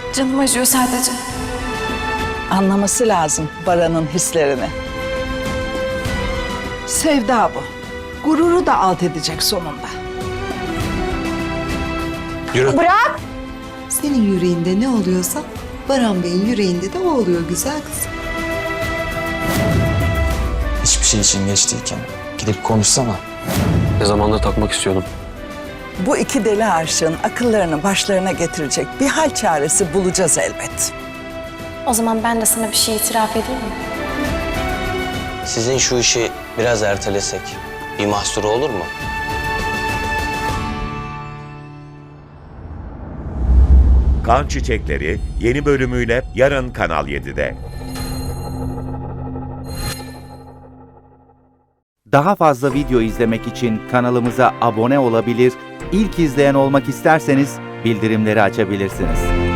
Canım acıyor sadece. Anlaması lazım Baran'ın hislerini. Sevda bu. Gururu da alt edecek sonunda. Yürü. Bırak! Senin yüreğinde ne oluyorsa Baran Bey'in yüreğinde de o oluyor güzel kızım. Hiçbir şey için geç değilken gidip konuşsana. Ne zamandır takmak istiyordum. Bu iki deli aşığın akıllarını başlarına getirecek bir hal çaresi bulacağız elbet. O zaman ben de sana bir şey itiraf edeyim mi? Sizin şu işi biraz ertelesek bir mahsuru olur mu? Kan Çiçekleri yeni bölümüyle yarın Kanal 7'de. Daha fazla video izlemek için kanalımıza abone olabilir, ilk izleyen olmak isterseniz bildirimleri açabilirsiniz.